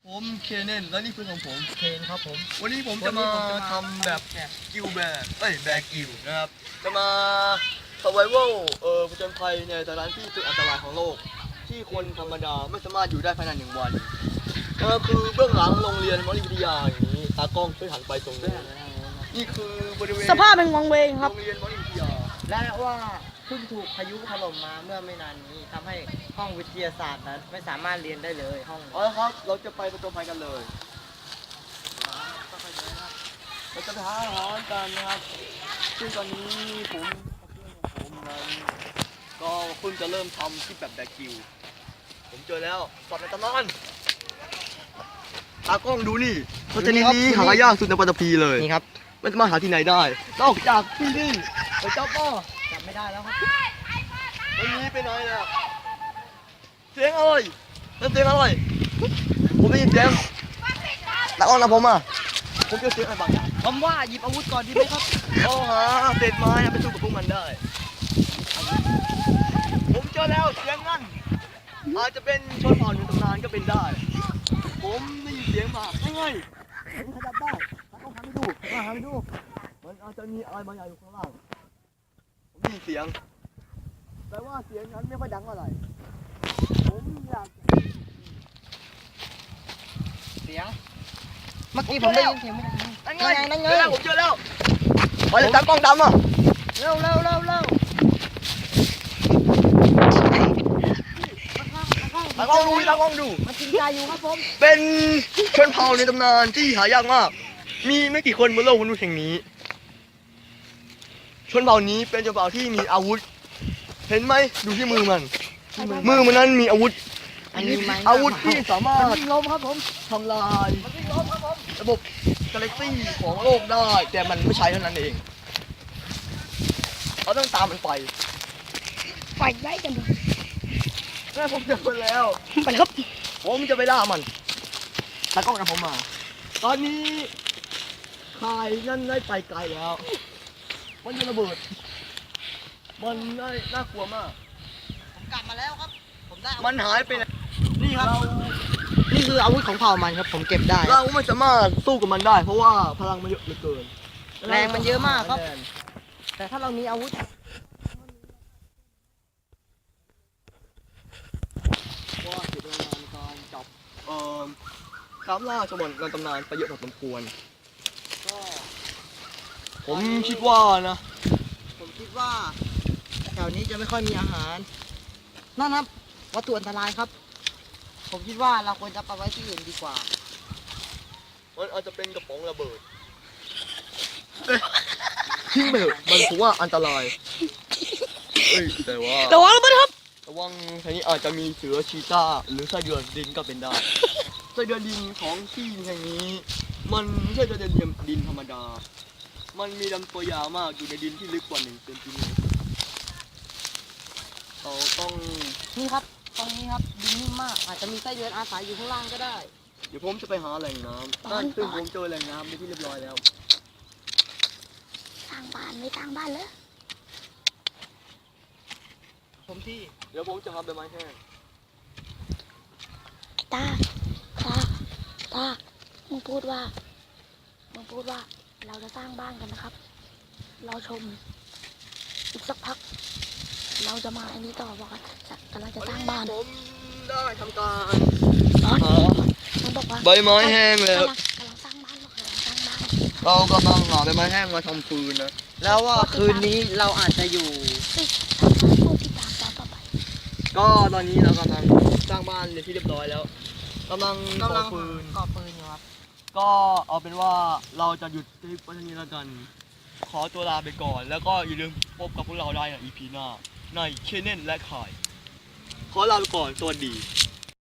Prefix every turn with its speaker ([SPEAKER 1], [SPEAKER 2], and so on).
[SPEAKER 1] ผมเคนเนนและนี่คือของผม
[SPEAKER 2] เคนครับผม
[SPEAKER 1] วันนี้ผมจะมาทำแบบกิลแบกแบกกิลนะครับจะมา survival ผจญภัยในสถานที่สุดอันตรายของโลกที่คนธรรมดาไม่สามารถอยู่ได้ภายใน1 วันคือเบื้องหลังโรงเรียนมอริวิทยาอย่างนี้ตากล้องช่วยหันไปตรงนี้นี่คือบริเวณ
[SPEAKER 3] สภาพเป็นวังเวงครับ
[SPEAKER 1] โรงเรียนมอริวิทยา
[SPEAKER 2] และว่าเพิ่งถูกพายุถล่มมาเมื่อไม่นานนี้ทำให้ห้องวิทยาศาสตร์นั้นไม่สามารถเรียนได้เลยห้อง
[SPEAKER 1] เอาละครับเราจะไปผจญภัยกันเลยเราจะไปหาอาหารกันนะครับซึ่งตอนนี้ผมกับเพื่อนของผมนั้นก็เพิ่งจะเริ่มทำคลิปแบบแบกกิลผมเจอแล้วสัตว์ในตำนานตากล้องดูนี่ตัวชนิดนี้หายากสุดในปัตตภีเลย
[SPEAKER 2] นี่ครับ
[SPEAKER 1] ไม่สามารถหาที่ไหนได้นอกจากที่นี่ไปเจ้าพ่อ
[SPEAKER 2] จับไม่ได้แล้วครับ
[SPEAKER 1] วันนี้ไปไหนเนี่ยเสียงอะไรนั่นเสียงอะไรผมได้ยินเสียงตากล้องนะผมเจอเสียงอะไรบางอย่าง
[SPEAKER 2] ผมว่าหยิบอาวุธก่อนดีไหมครับ
[SPEAKER 1] เอาหาเศษไม้ไปสู้กับพวกมันได้ ผมเจอแล้วเสียงนั่นอาจจะเป็นชนเผ่าในตำนานก็เป็นได้ ผมได้ยินเสียงมาไม่ไงผมขยับได้ต้องหันไปดูหันไปดูมันอาจจะมีอะไรบางอย่างอยู่ข้างล่างผมได้ยินเสียงแต่ว่าเสียงนั้นไม่ค่อยดังอะไรผมอยาก
[SPEAKER 2] เสียงเมื่อกี้ผมได้ยินเสียงไม่ได้
[SPEAKER 1] นั่นไง
[SPEAKER 2] นั่นไง
[SPEAKER 1] เจอแล้วผมเจอแล้วไปเลยตากล้องดำอ่ะ
[SPEAKER 2] เร็ว
[SPEAKER 1] ตากล้องดู
[SPEAKER 2] มันกินใจอยู่ครับผม
[SPEAKER 1] เป็นชนเผ่าในตำนานที่หายากมาก มีไม่กี่คนบนโลกมนุษย์แห่งนี้ ชนเผ่านี้เป็นชนเผ่าที่มีอาวุธ เห็นไหมดูที่มือมันนั้นมีอาวุธ
[SPEAKER 2] อันนี้ไหม
[SPEAKER 1] อาวุธที่สามารถ
[SPEAKER 2] วิ่งลมครับผม
[SPEAKER 1] ทำลายระบบกาแล็กซี่ของโลกได้ แต่มันไม่ใช้เท่านั้นเองเราต้องตามมันไป
[SPEAKER 3] ไฟไล่กันดู
[SPEAKER 1] นั่นผมเจอมันแล้ว
[SPEAKER 3] ไปเลยครับ
[SPEAKER 1] ผมจะไปล่ามันตากล้องกับผมมา ตอนนี้ข่ายนั่นได้ไปไกลแล้ว มันจะระเบิด มันน่ากลัวมาก
[SPEAKER 2] ผมกลับมาแล้วครับ ผมได้
[SPEAKER 1] มันหายไปไหนนี่ครับ
[SPEAKER 2] นี่คืออาวุธของเผ่ามันครับ ผมเก็บได้
[SPEAKER 1] เราไม่สามารถสู้กับมันได้ เพราะว่าพลังมันเยอะเหลือเกิน
[SPEAKER 2] แรงมันเยอะมากครับ แต่ถ้าเรามีอาวุธ
[SPEAKER 1] ว่าเสียเวลาในการจับตามล่าชมในตำนานไปเยอะพอสมควร
[SPEAKER 2] ก็
[SPEAKER 1] ผมคิดว่านะ
[SPEAKER 2] ผมคิดว่าแถวนี้จะไม่ค่อยมีอาหารนั่นครับวัตถุอันตรายครับ ผมคิดว่าเราควรจะไปไว้ที่อื่นดีกว่า
[SPEAKER 1] มันอาจจะเป็นกระป๋องระเบิดทิ้งไปเถอะมันถือว่าอันตรายแต่ว่า
[SPEAKER 3] ระวังระเบิดครับ
[SPEAKER 1] ระวังทีนี้อาจจะมีเสือชีต้าหรือไส้เดือนดินก็เป็นได้ ไส้เดือนดินของที่แห่งนี้ มันไม่ใช่ไส้เดือนดินธรรมดา มันมีลำตัวยาวมากอยู่ในดินที่ลึกกว่า1 เซนติเมตรเราต้อง
[SPEAKER 2] นี่ครับ ตรงนี้ครับดินนิ่มมาก อาจจะมีไส้เดือนอาศัยอยู่ข้างล่างก็ได้
[SPEAKER 1] เดี๋ยวผมจะไปหาแหล่งน้ำนั่นซึ่งผมเจอแหล่งน้ำในที่เรียบร้อยแล้ว
[SPEAKER 3] สร้างบ้านไม่สร้างบ้านเลย
[SPEAKER 2] ผมที่
[SPEAKER 1] เดี๋ยวผมจะทำใบไม้แห้ง
[SPEAKER 3] ตามึงพูดว่าเราจะสร้างบ้านกันนะครับ รอชม อีกสักพัก เราจะมาอันนี้ต่อบอกว่ากำลังจะสร้างบ้าน
[SPEAKER 1] ผมได้ทำการ
[SPEAKER 3] อ๋อ
[SPEAKER 1] หา
[SPEAKER 3] มันบอกว่า
[SPEAKER 1] ใบไม้แห้งแล้ว
[SPEAKER 3] กำลังสร้างบ้านบอกกำลังสร้างบ้าน
[SPEAKER 1] เรากำลังหาใบไม้แห้งมาทำฟืนนะ
[SPEAKER 2] แล้วว่าคืนนี้เราอาจจะอยู่
[SPEAKER 3] ทำบ้านผู้ที่ตามต่อไป
[SPEAKER 1] ก็ตอนนี้เรากำลังสร้างบ้านในที่เรียบร้อยแล้วกำลังก่อฟืน
[SPEAKER 2] ก่อปืนอยู่ครับ
[SPEAKER 1] ก็เอาเป็นว่าเราจะหยุดคลิปไว้เท่านี้แล้วกัน ขอตัวลาไปก่อน แล้วก็อย่าลืมพบกับพวกเราได้ใน EP หน้าในเคนเนนและข่าย ขอลาไปก่อน สวัสดี